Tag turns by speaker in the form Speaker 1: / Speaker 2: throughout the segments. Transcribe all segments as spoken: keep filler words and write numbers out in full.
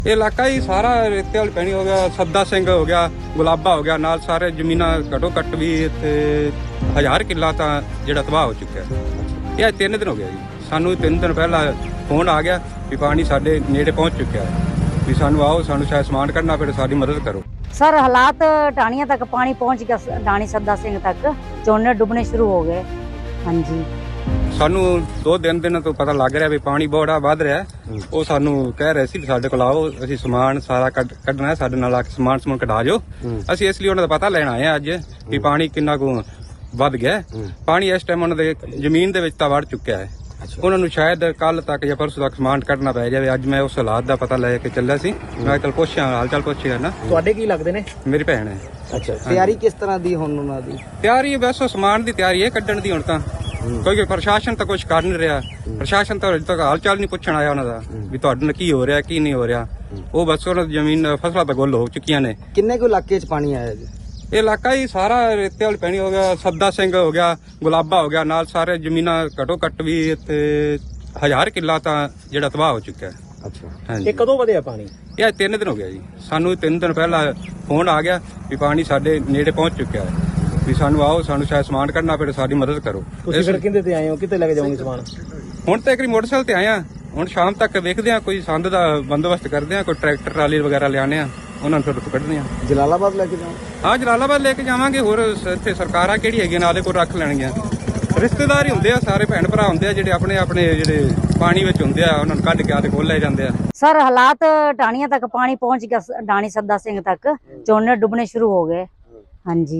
Speaker 1: ਇਹ ਇਲਾਕਾ ਹੀ ਸਾਰਾ ਰੇਤੇ ਵਾਲੀ ਪੈਣੀ ਹੋ ਗਿਆ, ਸੱਦਾ ਸਿੰਘ ਹੋ ਗਿਆ, ਗੁਲਾਬਾ ਹੋ ਗਿਆ, ਨਾਲ ਸਾਰੇ ਜ਼ਮੀਨਾਂ ਘੱਟੋ ਘੱਟ ਵੀ ਇੱਥੇ ਹਜ਼ਾਰ ਕਿੱਲਾ ਤਾਂ ਜਿਹੜਾ ਤਬਾਹ ਹੋ ਚੁੱਕਿਆ। ਇਹ ਤਿੰਨ ਦਿਨ ਹੋ ਗਿਆ ਜੀ, ਸਾਨੂੰ ਤਿੰਨ ਦਿਨ ਪਹਿਲਾਂ ਫੋਨ ਆ ਗਿਆ ਵੀ ਪਾਣੀ ਸਾਡੇ ਨੇੜੇ ਪਹੁੰਚ ਚੁੱਕਿਆ ਹੈ, ਵੀ ਸਾਨੂੰ ਆਓ, ਸਾਨੂੰ ਸ਼ਾਇਦ ਸਮਾਨ ਕੱਢਣਾ ਪਵੇ, ਸਾਡੀ ਮਦਦ ਕਰੋ।
Speaker 2: सर हालात टाणियां तक पानी पहुंच गया, ढाणी सद्दा सिंह तक झोने डुबने शुरू हो गए। हाँ जी,
Speaker 1: ਸਾਨੂੰ ਦੋ ਦਿਨ ਦਿਨ ਤੋਂ ਪਤਾ ਲੱਗ ਰਿਹਾ ਵੀ ਪਾਣੀ ਬੜਾ ਵੱਧ ਰਿਹਾ। ਉਹ ਸਾਨੂੰ ਕਹਿ ਰਹੇ ਸੀ ਵੀ ਸਾਡੇ ਕੋਲ ਆਓ, ਅਸੀਂ ਸਮਾਨ ਸਾਰਾ ਕੱਢਣਾ ਹੈ, ਸਾਡੇ ਨਾਲ ਆ ਕੇ ਸਮਾਨ ਸਮੂਨ ਕਢਾ ਜਾਓ। ਅਸੀਂ ਇਸ ਲਈ ਉਹਨਾਂ ਦਾ ਪਤਾ ਲੈਣ ਆਏ ਆ ਅੱਜ ਵੀ ਪਾਣੀ ਕਿੰਨਾ ਕੁ ਵੱਧ ਗਿਆ। ਪਾਣੀ ਇਸ ਟਾਈਮ ਉਹਨਾਂ ਦੇ ਜ਼ਮੀਨ ਦੇ ਵਿੱਚ ਤਾਂ ਵੜ ਚੁੱਕਿਆ ਹੈ। ਉਹਨਾਂ ਨੂੰ ਸ਼ਾਇਦ ਕੱਲ ਤੱਕ ਜਾਂ ਪਰਸੋਂ ਤੱਕ ਸਮਾਨ ਕੱਢਣਾ ਪੈ ਜਾਵੇ। ਅੱਜ ਮੈਂ ਉਸ ਹਾਲਾਤ ਦਾ ਪਤਾ ਲੈ ਕੇ ਚੱਲਿਆ ਸੀ, ਮੈਂ ਕੱਲ ਪੁੱਛਿਆ ਹਾਲ ਚਾਲ ਪੁੱਛਿਆ ਨਾ।
Speaker 3: ਤੁਹਾਡੇ ਕੀ ਲੱਗਦੇ ਨੇ?
Speaker 1: ਮੇਰੀ ਭੈਣ ਹੈ।
Speaker 3: ਅੱਛਾ, ਤਿਆਰੀ ਕਿਸ ਤਰ੍ਹਾਂ ਦੀ ਹੁਣ ਉਹਨਾਂ ਦੀ?
Speaker 1: ਤਿਆਰੀ ਬਸ ਸਮਾਨ ਦੀ ਤਿਆਰੀ ਹੈ, ਕੱਢਣ ਦੀ ਹੁਣ ਤਾਂ। ਕਿਉਂਕਿ ਪ੍ਰਸ਼ਾਸਨ ਤਾਂ ਕੁਝ ਕਰ ਨਹੀਂ ਰਿਹਾ, ਪ੍ਰਸ਼ਾਸਨ ਤਾਂ ਅਜੇ ਤੱਕ ਹਾਲ ਚਾਲ ਨਹੀਂ ਪੁੱਛਣ ਆਇਆ ਉਹਨਾਂ ਦਾ ਵੀ ਤੁਹਾਡੇ ਨਾਲ ਕੀ ਹੋ ਰਿਹਾ ਕੀ ਨਹੀਂ ਹੋ ਰਿਹਾ। ਉਹ ਬਸ ਉਹਨਾਂ ਦੀ ਜ਼ਮੀਨ ਫਸਲਾਂ ਤਾਂ ਗੁੱਲ ਹੋ ਚੁੱਕੀਆਂ ਨੇ।
Speaker 3: ਕਿੰਨੇ ਕੁ ਇਲਾਕੇ 'ਚ ਪਾਣੀ ਆਇਆ ਜੀ?
Speaker 1: ਇਹ ਇਲਾਕਾ ਹੀ ਸਾਰਾ ਰੇਤੇ ਵਾਲੀ ਪੈਣੀ ਹੋ ਗਿਆ, ਸੱਦਾ ਸਿੰਘ ਹੋ ਗਿਆ, ਗੁਲਾਬਾ ਹੋ ਗਿਆ, ਨਾਲ ਸਾਰੇ ਜ਼ਮੀਨਾਂ ਘੱਟੋ ਘੱਟ ਵੀ ਇੱਥੇ ਹਜ਼ਾਰ ਕਿੱਲਾ ਤਾਂ ਜਿਹੜਾ ਤਬਾਹ ਹੋ ਚੁੱਕਿਆ ਹੈ।
Speaker 3: ਅੱਛਾ,
Speaker 1: ਹਾਂਜੀ।
Speaker 3: ਇਹ ਕਦੋਂ ਵਧਿਆ ਪਾਣੀ?
Speaker 1: ਇਹ ਤਿੰਨ ਦਿਨ ਹੋ ਗਿਆ ਜੀ, ਸਾਨੂੰ ਤਿੰਨ ਦਿਨ ਪਹਿਲਾਂ ਫੋਨ ਆ ਗਿਆ ਵੀ ਪਾਣੀ ਸਾਡੇ ਨੇੜੇ ਪਹੁੰਚ ਚੁੱਕਿਆ ਹੈ, ਵੀ ਸਾਨੂੰ ਆਓ, ਸਾਨੂੰ ਸ਼ਾਇਦ ਸਮਾਨ ਕੱਢਣਾ ਪਵੇ, ਸਾਡੀ ਮਦਦ ਕਰੋ।
Speaker 3: ਤੁਸੀਂ ਫਿਰ ਕਿੰਦੇ ਤੇ ਆਏ ਹੋ? ਕਿੱਥੇ ਲੈ ਕੇ ਜਾਓਗੇ ਸਮਾਨ?
Speaker 1: ਹੁਣ ਤਾਂ ਇੱਕ ਮੋਟਰਸਾਈਕਲ ਤੇ ਆਏ ਆ, ਹੁਣ ਸ਼ਾਮ ਤੱਕ ਵੇਖਦੇ ਆ, ਕੋਈ ਸੰਦ ਦਾ ਬੰਦੋਬਸਤ ਕਰਦੇ ਆ, ਕੋਈ ਟਰੈਕਟਰ ਟਰਾਲੀ ਵਗੈਰਾ ਲਿਆਣੇ ਆ, ਉਹਨਾਂ ਨੂੰ ਫਿਰ ਕੱਢਦੇ ਆ।
Speaker 3: ਜਲਾਲਾਬਾਦ ਲੈ ਕੇ ਜਾਓ?
Speaker 1: ਹਾਂ, ਜਲਾਲਾਬਾਦ ਲੈ ਕੇ ਜਾਵਾਂਗੇ। ਹੋਰ ਇੱਥੇ ਸਰਕਾਰਾਂ ਕਿਹੜੀ ਹੈਗੀਆਂ ਨਾਲੇ ਕੋਲ ਰੱਖ ਲੈਣਗੀਆਂ। ਰਿਸ਼ਤੇਦਾਰ ਹੀ ਹੁੰਦੇ ਆ, ਸਾਰੇ ਭੈਣ ਭਰਾ ਹੁੰਦੇ ਆ ਜਿਹੜੇ ਆਪਣੇ ਆਪਣੇ ਜਿਹੜੇ ਪਾਣੀ ਵਿੱਚ ਹੁੰਦੇ ਆ, ਉਹਨਾਂ ਨੂੰ ਕੱਢ ਕੇ ਆ ਤੇ ਖੋਲ ਲੈ ਜਾਂਦੇ ਆ।
Speaker 2: सर हालात टाणियां तक पानी पहुंच गया, ढाणी सद्दा सिंह तक झोने डुबने शुरू हो गए। हाँ जी,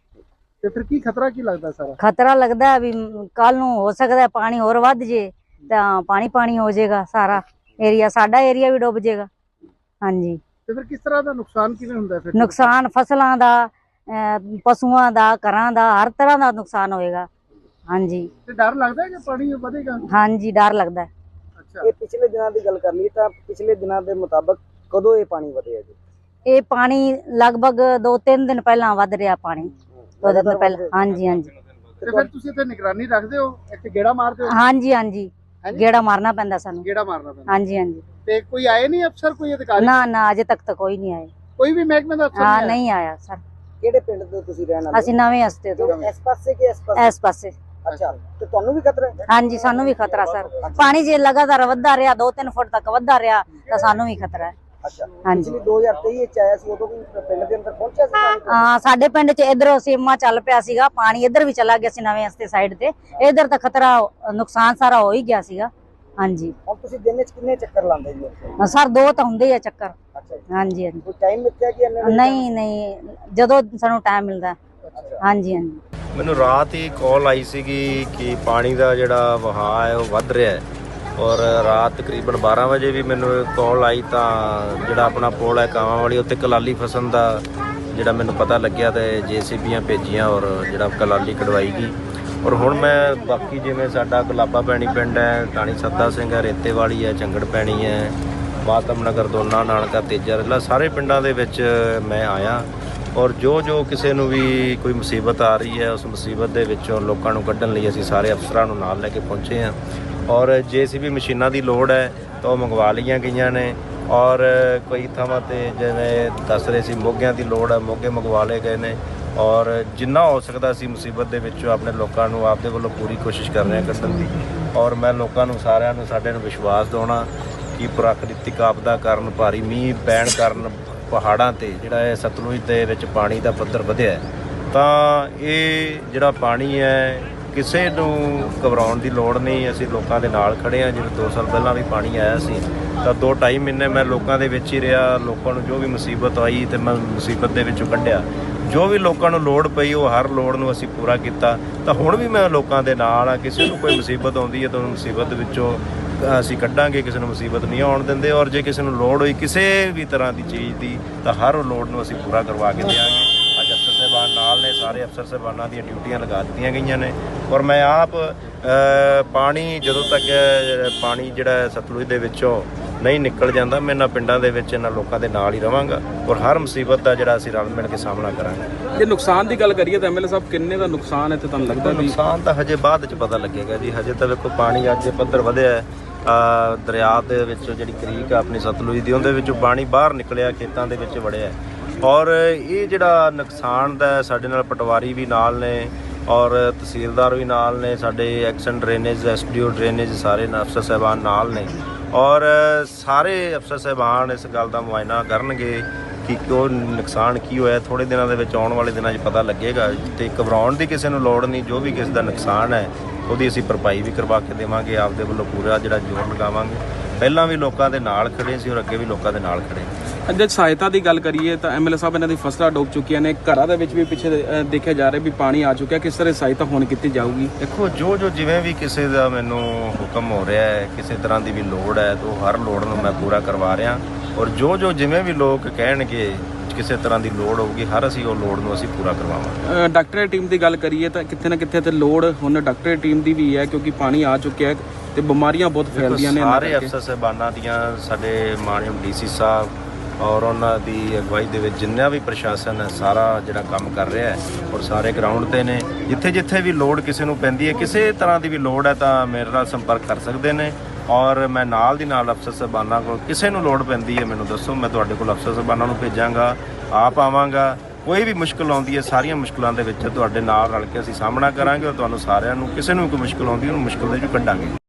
Speaker 3: ਤੇ ਫਿਰ ਕੀ ਖਤਰਾ ਕੀ ਲੱਗਦਾ ਸਾਰਾ?
Speaker 2: खतरा लगता है भी कल नूं हो सकता है पानी होर वध जे तां पानी पानी हो जाएगा, सारा एरिया साडा एरिया भी डुब जाएगा। हाँ जी,
Speaker 3: ਤੇ ਫਿਰ ਕਿਸ ਤਰ੍ਹਾਂ ਦਾ ਨੁਕਸਾਨ ਕਿਵੇਂ ਹੁੰਦਾ ਫਿਰ?
Speaker 2: नुकसान फसलों का, पशुओं का, घरां दा, हर तरह का नुकसान होएगा। हाँ जी,
Speaker 3: ਤੇ ਡਰ ਲੱਗਦਾ ਹੈ ਕਿ ਪਾਣੀ ਵਧੇਗਾ?
Speaker 2: हाँ जी, डर लगता है।
Speaker 3: ਅੱਛਾ, ਇਹ ਪਿਛਲੇ ਦਿਨਾਂ ਦੀ ਗੱਲ ਕਰ ਲਈ ਤਾਂ ਪਿਛਲੇ ਦਿਨਾਂ ਦੇ ਮੁਤਾਬਕ ਕਦੋਂ ਇਹ ਪਾਣੀ ਵਧਿਆ ਜੀ?
Speaker 2: ਇਹ ਪਾਣੀ ਲਗਭਗ ਦੋ ਤਿੰਨ ਦਿਨ ਪਹਿਲਾਂ ਵੱਧ ਰਿਹਾ ਪਾਣੀ, ਦੋ ਦਿਨ ਪਹਿਲਾਂ। ਹਾਂਜੀ ਹਾਂਜੀ
Speaker 3: ਤੇ ਫਿਰ ਤੁਸੀਂ ਇੱਥੇ ਨਿਗਰਾਨੀ ਰੱਖਦੇ ਹੋ, ਇੱਥੇ ਗੇੜਾ ਮਾਰਦੇ ਹੋ?
Speaker 2: ਹਾਂਜੀ ਹਾਂਜੀ, ਗੇੜਾ ਮਾਰਨਾ ਪੈਂਦਾ ਸਾਨੂੰ।
Speaker 3: ਗੇੜਾ ਮਾਰਨਾ ਪੈਂਦਾ?
Speaker 2: ਹਾਂਜੀ ਹਾਂਜੀ।
Speaker 3: ਤੇ ਕੋਈ ਆਏ ਨਹੀਂ ਅਫਸਰ, ਕੋਈ ਅਧਿਕਾਰੀ?
Speaker 2: ਨਾ ਨਾ, ਅਜੇ ਤੱਕ ਤਾਂ ਕੋਈ ਨਹੀਂ ਆਇਆ।
Speaker 3: ਕੋਈ ਵੀ ਮਹਿਕਮੇ ਦਾ ਅਫਸਰ
Speaker 2: ਹਾਂ,
Speaker 3: ਨਹੀਂ
Speaker 2: ਨਹੀਂ ਆਇਆ ਸਰ।
Speaker 3: ਕਿਹੜੇ ਪਿੰਡ ਤੋਂ ਤੁਸੀਂ ਰਹਿਣ ਵਾਲੇ?
Speaker 2: ਅਸੀਂ ਨਵੇਂ ਹਸਤੇ ਤੋਂ।
Speaker 3: ਇਸ ਪਾਸੇ ਕਿ ਇਸ ਪਾਸੇ?
Speaker 2: ਇਸ ਪਾਸੇ।
Speaker 3: ਅੱਛਾ, ਤੇ ਤੁਹਾਨੂੰ ਵੀ ਖਤਰਾ ਹੈ?
Speaker 2: ਹਾਂਜੀ, ਸਾਨੂੰ ਵੀ ਖਤਰਾ ਸਰ। ਪਾਣੀ ਜੇ ਲਗਾਤਾਰ ਵੱਧਦਾ ਰਿਹਾ, ਦੋ ਤਿੰਨ ਫੁੱਟ ਤੱਕ ਵੱਧਦਾ ਰਿਹਾ, ਤਾਂ ਸਾਨੂੰ ਵੀ ਖਤਰਾ ਹੈ।
Speaker 3: ਅੱਛਾ,
Speaker 2: ਹਾਂਜੀ।
Speaker 3: ਪਿਛਲੀ ਦੋ ਹਜ਼ਾਰ ਤੇਈ ਵਿੱਚ ਆਇਆ ਸੀ, ਉਦੋਂ ਵੀ ਪਿੰਡ ਦੇ ਅੰਦਰ ਪਹੁੰਚਿਆ ਸੀ ਪਾਣੀ?
Speaker 2: ਹਾਂ, ਸਾਡੇ ਪਿੰਡ 'ਚ ਇਧਰੋਂ ਸੀਮਾ ਚੱਲ ਪਿਆ ਸੀਗਾ, ਪਾਣੀ ਇੱਧਰ ਵੀ ਚਲਾ ਗਿਆ ਸੀ ਨਵੇਂ ਹਸਤੇ ਸਾਈਡ ਤੇ। ਇਧਰ ਤਾਂ ਖਤਰਾ, ਨੁਕਸਾਨ ਸਾਰਾ ਹੋ ਹੀ ਗਿਆ ਸੀਗਾ। ਹਾਂਜੀ।
Speaker 3: ਹੁਣ ਤੁਸੀਂ ਦਿਨ ਵਿੱਚ ਕਿੰਨੇ ਚੱਕਰ ਲਾਉਂਦੇ ਜੀ ਉੱਥੇ?
Speaker 2: ਸਰ ਦੋ ਤਾਂ ਹੁੰਦੇ ਆ ਚੱਕਰ।
Speaker 3: ਅੱਛਾ,
Speaker 2: ਹਾਂਜੀ ਹਾਂਜੀ।
Speaker 3: ਕੋਈ ਟਾਈਮ ਮਿੱਥਿਆ ਕਿ ਇੰਨੇ ਵਜੇ?
Speaker 2: ਨਹੀਂ ਨਹੀਂ, ਜਦੋਂ ਸਾਨੂੰ ਟਾਈਮ ਮਿਲਦਾ। ਹਾਂਜੀ ਹਾਂਜੀ।
Speaker 4: ਮੈਨੂੰ ਰਾਤ ਹੀ ਕਾਲ ਆਈ ਸੀਗੀ ਕਿ ਪਾਣੀ ਦਾ ਜਿਹੜਾ ਵਹਾਅ ਹੈ ਉਹ ਵੱਧ ਰਿਹਾ ਹੈ, ਔਰ ਰਾਤ ਤਕਰੀਬਨ ਬਾਰਾਂ ਵਜੇ ਵੀ ਮੈਨੂੰ ਕਾਲ ਆਈ ਤਾਂ ਜਿਹੜਾ ਆਪਣਾ ਪੁਲ ਹੈ ਕਾਵਾਂ ਵਾਲੀ, ਉੱਤੇ ਕਲਾਲੀ ਫਸਣ ਦਾ ਜਿਹੜਾ ਮੈਨੂੰ ਪਤਾ ਲੱਗਿਆ ਤੇ ਜੇਸੀਬੀਆਂ ਭੇਜੀਆਂ ਔਰ ਜਿਹੜਾ ਕਲਾਲੀ ਕਢਵਾਈ ਗਈ। ਔਰ ਹੁਣ ਮੈਂ ਬਾਕੀ ਜਿਵੇਂ ਸਾਡਾ ਗੁਲਾਬਾ ਪੈਣੀ ਪਿੰਡ ਹੈ, ਢਾਣੀ ਸੱਦਾ ਸਿੰਘ ਹੈ, ਰੇਤੇ ਵਾਲੀ ਹੈ, ਚੰਗੜ ਪੈਣੀ ਹੈ, ਮਾਤਮ ਨਗਰ, ਦੋਨਾ, ਨਾਨਕਾ, ਤੇਜਾ ਰਲਾ, ਸਾਰੇ ਪਿੰਡਾਂ ਦੇ ਵਿੱਚ ਮੈਂ ਆਇਆ। ਔਰ ਜੋ ਜੋ ਕਿਸੇ ਨੂੰ ਵੀ ਕੋਈ ਮੁਸੀਬਤ ਆ ਰਹੀ ਹੈ, ਉਸ ਮੁਸੀਬਤ ਦੇ ਵਿੱਚੋਂ ਲੋਕਾਂ ਨੂੰ ਕੱਢਣ ਲਈ ਅਸੀਂ ਸਾਰੇ ਅਫਸਰਾਂ ਨੂੰ ਨਾਲ ਲੈ ਕੇ ਪਹੁੰਚੇ ਹਾਂ। ਔਰ ਜੇ ਸੀ ਵੀ ਮਸ਼ੀਨਾਂ ਦੀ ਲੋੜ ਹੈ ਤਾਂ ਉਹ ਮੰਗਵਾ ਲਈਆਂ ਗਈਆਂ ਨੇ। ਔਰ ਕਈ ਥਾਵਾਂ 'ਤੇ ਜਿਵੇਂ ਦੱਸ ਰਹੇ ਸੀ ਮੋਗਿਆਂ ਦੀ ਲੋੜ ਹੈ, ਮੋਗੇ ਮੰਗਵਾ ਲਏ ਗਏ ਨੇ। ਔਰ ਜਿੰਨਾ ਹੋ ਸਕਦਾ ਸੀ ਮੁਸੀਬਤ ਦੇ ਵਿੱਚੋਂ ਆਪਣੇ ਲੋਕਾਂ ਨੂੰ ਆਪਦੇ ਵੱਲੋਂ ਪੂਰੀ ਕੋਸ਼ਿਸ਼ ਕਰ ਰਹੇ ਹਾਂ ਕੱਢਣ ਦੀ। ਔਰ ਮੈਂ ਲੋਕਾਂ ਨੂੰ ਸਾਰਿਆਂ ਨੂੰ ਸਾਡੇ ਨੂੰ ਵਿਸ਼ਵਾਸ ਦਿਵਾਉਣਾ ਕਿ ਪ੍ਰਾਕ੍ਰਿਤਿਕ ਆਪਦਾ ਕਾਰਨ, ਭਾਰੀ ਮੀਂਹ ਪੈਣ ਕਾਰਨ ਪਹਾੜਾਂ 'ਤੇ ਜਿਹੜਾ ਹੈ ਸਤਲੁਜ ਦੇ ਵਿੱਚ ਪਾਣੀ ਦਾ ਪੱਧਰ ਵਧਿਆ ਹੈ, ਤਾਂ ਇਹ ਜਿਹੜਾ ਪਾਣੀ ਹੈ ਕਿਸੇ ਨੂੰ ਘਬਰਾਉਣ ਦੀ ਲੋੜ ਨਹੀਂ। ਅਸੀਂ ਲੋਕਾਂ ਦੇ ਨਾਲ ਖੜ੍ਹੇ ਹਾਂ। ਜਿਵੇਂ ਦੋ ਸਾਲ ਪਹਿਲਾਂ ਵੀ ਪਾਣੀ ਆਇਆ ਸੀ ਤਾਂ ਦੋ ਢਾਈ ਮਹੀਨੇ ਮੈਂ ਲੋਕਾਂ ਦੇ ਵਿੱਚ ਹੀ ਰਿਹਾ। ਲੋਕਾਂ ਨੂੰ ਜੋ ਵੀ ਮੁਸੀਬਤ ਆਈ ਤੇ ਮੈਂ ਮੁਸੀਬਤ ਦੇ ਵਿੱਚੋਂ ਕੱਢਿਆ। ਜੋ ਵੀ ਲੋਕਾਂ ਨੂੰ ਲੋੜ ਪਈ ਉਹ ਹਰ ਲੋੜ ਨੂੰ ਅਸੀਂ ਪੂਰਾ ਕੀਤਾ। ਤਾਂ ਹੁਣ ਵੀ ਮੈਂ ਲੋਕਾਂ ਦੇ ਨਾਲ ਆ। ਕਿਸੇ ਨੂੰ ਕੋਈ ਮੁਸੀਬਤ ਆਉਂਦੀ ਹੈ ਤਾਂ ਉਹਨੂੰ ਮੁਸੀਬਤ ਵਿੱਚੋਂ ਅਸੀਂ ਕੱਢਾਂਗੇ, ਕਿਸੇ ਨੂੰ ਮੁਸੀਬਤ ਨਹੀਂ ਆਉਣ ਦਿੰਦੇ। ਔਰ ਜੇ ਕਿਸੇ ਨੂੰ ਲੋੜ ਹੋਈ ਕਿਸੇ ਵੀ ਤਰ੍ਹਾਂ ਦੀ ਚੀਜ਼ ਦੀ ਤਾਂ ਹਰ ਲੋੜ ਨੂੰ ਅਸੀਂ ਪੂਰਾ ਕਰਵਾ ਕੇ ਦਿਆਂਗੇ। ਅੱਜ ਅਫਸਰ ਸਾਹਿਬਾਨ ਨਾਲ ਨੇ, ਸਾਰੇ ਅਫਸਰ ਸਾਹਿਬਾਨਾਂ ਦੀਆਂ ਡਿਊਟੀਆਂ ਲਗਾ ਦਿੱਤੀਆਂ ਗਈਆਂ ਨੇ। ਔਰ ਮੈਂ ਆਪ ਪਾਣੀ ਜਦੋਂ ਤੱਕ ਪਾਣੀ ਜਿਹੜਾ ਸਤਲੁਜ ਦੇ ਵਿੱਚੋਂ ਨਹੀਂ ਨਿਕਲ ਜਾਂਦਾ, ਮੈਂ ਇਹਨਾਂ ਪਿੰਡਾਂ ਦੇ ਵਿੱਚ ਇਹਨਾਂ ਲੋਕਾਂ ਦੇ ਨਾਲ ਹੀ ਰਵਾਂਗਾ ਔਰ ਹਰ ਮੁਸੀਬਤ ਦਾ ਜਿਹੜਾ ਅਸੀਂ ਰਲ ਮਿਲ ਕੇ ਸਾਹਮਣਾ ਕਰਾਂਗੇ।
Speaker 5: ਜੇ ਨੁਕਸਾਨ ਦੀ ਗੱਲ ਕਰੀਏ ਤਾਂ ਐਮਐਲਏ ਸਾਹਿਬ ਕਿੰਨੇ ਦਾ ਨੁਕਸਾਨ ਹੈ ਤੇ ਤੁਹਾਨੂੰ ਲੱਗਦਾ ਵੀ?
Speaker 4: ਨੁਕਸਾਨ ਤਾਂ ਹਜੇ ਬਾਅਦ 'ਚ ਪਤਾ ਲੱਗੇਗਾ ਜੀ। ਹਜੇ ਤਾਂ ਵੇਖੋ ਪਾਣੀ ਅੱਜ ਪੱਧਰ ਵਧਿਆ ਹੈ ਅ, ਦਰਿਆ ਦੇ ਵਿੱਚ ਜਿਹੜੀ ਕਰੀਕ ਆ ਆਪਣੀ ਸਤਲੁਜ ਦੀ, ਉਹਦੇ ਵਿੱਚੋਂ ਪਾਣੀ ਬਾਹਰ ਨਿਕਲਿਆ, ਖੇਤਾਂ ਦੇ ਵਿੱਚ ਵੜਿਆ। ਔਰ ਇਹ ਜਿਹੜਾ ਨੁਕਸਾਨ ਦਾ ਸਾਡੇ ਨਾਲ ਪਟਵਾਰੀ ਵੀ ਨਾਲ ਨੇ ਔਰ ਤਹਿਸੀਲਦਾਰ ਵੀ ਨਾਲ ਨੇ, ਸਾਡੇ ਐਕਸ਼ਨ ਡਰੇਨੇਜ ਐਸਡੀਓ ਡਰੇਨੇਜ ਸਾਰੇ ਅਫਸਰ ਸਾਹਿਬਾਨ ਨਾਲ ਨੇ ਔਰ ਸਾਰੇ ਅਫਸਰ ਸਾਹਿਬਾਨ ਇਸ ਗੱਲ ਦਾ ਮੁਆਇਨਾ ਕਰਨਗੇ ਕਿ ਉਹ ਨੁਕਸਾਨ ਕੀ ਹੋਇਆ। ਥੋੜੇ ਦਿਨਾਂ ਦੇ ਵਿੱਚ, ਆਉਣ ਵਾਲੇ ਦਿਨਾਂ 'ਚ ਪਤਾ ਲੱਗੇਗਾ ਤੇ ਘਬਰਾਉਣ ਦੀ ਕਿਸੇ ਨੂੰ ਲੋੜ ਨਹੀਂ। ਜੋ ਵੀ ਕਿਸੇ ਦਾ ਨੁਕਸਾਨ ਹੈ ਉਹਦੀ ਅਸੀਂ ਭਰਪਾਈ ਵੀ ਕਰਵਾ ਕੇ ਦੇਵਾਂਗੇ, ਆਪਦੇ ਵੱਲੋਂ ਪੂਰਾ ਜਿਹੜਾ ਜ਼ੋਰ ਲਗਾਵਾਂਗੇ। ਪਹਿਲਾਂ ਵੀ ਲੋਕਾਂ ਦੇ ਨਾਲ ਖੜੇ ਸੀ ਔਰ ਅੱਗੇ ਵੀ ਲੋਕਾਂ ਦੇ ਨਾਲ ਖੜੇ।
Speaker 5: ਜੇ ਸਹਾਇਤਾ ਦੀ ਗੱਲ ਕਰੀਏ ਤਾਂ ਐਮਐਲਏ ਸਾਹਿਬ ਇਹਨਾਂ ਦੀ ਫਸਲਾਂ ਡੁੱਬ ਚੁੱਕੀਆਂ ਨੇ, ਘਰਾਂ ਦੇ ਵਿੱਚ ਵੀ ਪਿੱਛੇ ਅ, ਦੇਖਿਆ ਜਾ ਰਿਹਾ ਵੀ ਪਾਣੀ ਆ ਚੁੱਕਿਆ। ਕਿਸ ਤਰ੍ਹਾਂ ਸਹਾਇਤਾ ਹੁਣ ਕੀਤੀ ਜਾਊਗੀ?
Speaker 4: ਦੇਖੋ, ਜੋ ਜੋ ਜਿਵੇਂ ਵੀ ਕਿਸੇ ਦਾ ਮੈਨੂੰ ਹੁਕਮ ਹੋ ਰਿਹਾ ਹੈ, ਕਿਸੇ ਤਰ੍ਹਾਂ ਦੀ ਵੀ ਲੋੜ ਹੈ ਤਾਂ ਹਰ ਲੋੜ ਨੂੰ ਮੈਂ ਪੂਰਾ ਕਰਵਾ ਰਿਹਾ ਔਰ ਜੋ ਜੋ ਜਿਵੇਂ ਵੀ ਲੋਕ ਕਹਿਣਗੇ ਕਿਸੇ ਤਰ੍ਹਾਂ ਦੀ ਲੋੜ ਹੋਊਗੀ, ਹਰ ਅਸੀਂ ਉਹ ਲੋੜ ਨੂੰ ਅਸੀਂ ਪੂਰਾ ਕਰਵਾਵਾਂਗੇ।
Speaker 5: ਅ, ਡਾਕਟਰੀ ਟੀਮ ਦੀ ਗੱਲ ਕਰੀਏ ਤਾਂ ਕਿਤੇ ਨਾ ਕਿਤੇ ਤੇ ਲੋੜ ਹੁਣ ਡਾਕਟਰੀ ਟੀਮ ਦੀ ਵੀ ਹੈ, ਕਿਉਂਕਿ ਪਾਣੀ ਆ ਚੁੱਕਿਆ ਹੈ ਤੇ ਬਿਮਾਰੀਆਂ ਬਹੁਤ ਫੈਲਦੀਆਂ ਨੇ।
Speaker 4: ਸਾਰੇ ਅਫਸਰ ਸਾਹਿਬਾਨਾਂ ਦੀਆਂ, ਸਾਡੇ ਮਾਨਯੋਗ ਡੀਸੀ ਸਾਹਿਬ ਔਰ ਉਹਨਾਂ ਦੀ ਅਗਵਾਈ ਦੇ ਵਿੱਚ ਜਿੰਨਾ ਵੀ ਪ੍ਰਸ਼ਾਸਨ ਹੈ ਸਾਰਾ ਜਿਹੜਾ ਕੰਮ ਕਰ ਰਿਹਾ ਹੈ ਔਰ ਸਾਰੇ ਗਰਾਊਂਡ ਤੇ ਨੇ। ਜਿੱਥੇ ਜਿੱਥੇ ਵੀ ਲੋੜ ਕਿਸੇ ਨੂੰ ਪੈਂਦੀ ਹੈ, ਕਿਸੇ ਤਰ੍ਹਾਂ ਦੀ ਵੀ ਲੋੜ ਹੈ ਤਾਂ ਮੇਰੇ ਨਾਲ ਸੰਪਰਕ ਕਰ ਸਕਦੇ ਨੇ ਔਰ ਮੈਂ ਨਾਲ ਦੀ ਨਾਲ ਅਫਸਰ ਸਾਹਿਬਾਨਾਂ ਕੋਲ ਕਿਸੇ ਨੂੰ ਲੋੜ ਪੈਂਦੀ ਹੈ ਮੈਨੂੰ ਦੱਸੋ, ਮੈਂ ਤੁਹਾਡੇ ਕੋਲ ਅਫਸਰ ਸਾਹਿਬਾਨਾਂ ਨੂੰ ਭੇਜਾਂਗਾ, ਆਪ ਆਵਾਂਗਾ। ਕੋਈ ਵੀ ਮੁਸ਼ਕਲ ਆਉਂਦੀ ਹੈ, ਸਾਰੀਆਂ ਮੁਸ਼ਕਲਾਂ ਦੇ ਵਿੱਚ ਤੁਹਾਡੇ ਨਾਲ ਰਲ ਕੇ ਅਸੀਂ ਸਾਹਮਣਾ ਕਰਾਂਗੇ ਔਰ ਤੁਹਾਨੂੰ ਸਾਰਿਆਂ ਨੂੰ, ਕਿਸੇ ਨੂੰ ਕੋਈ ਮੁਸ਼ਕਲ ਆਉਂਦੀ ਉਹਨੂੰ ਮੁਸ਼ਕਲ ਦੇ ਵਿੱਚੋਂ ਕੱਢਾਂਗੇ।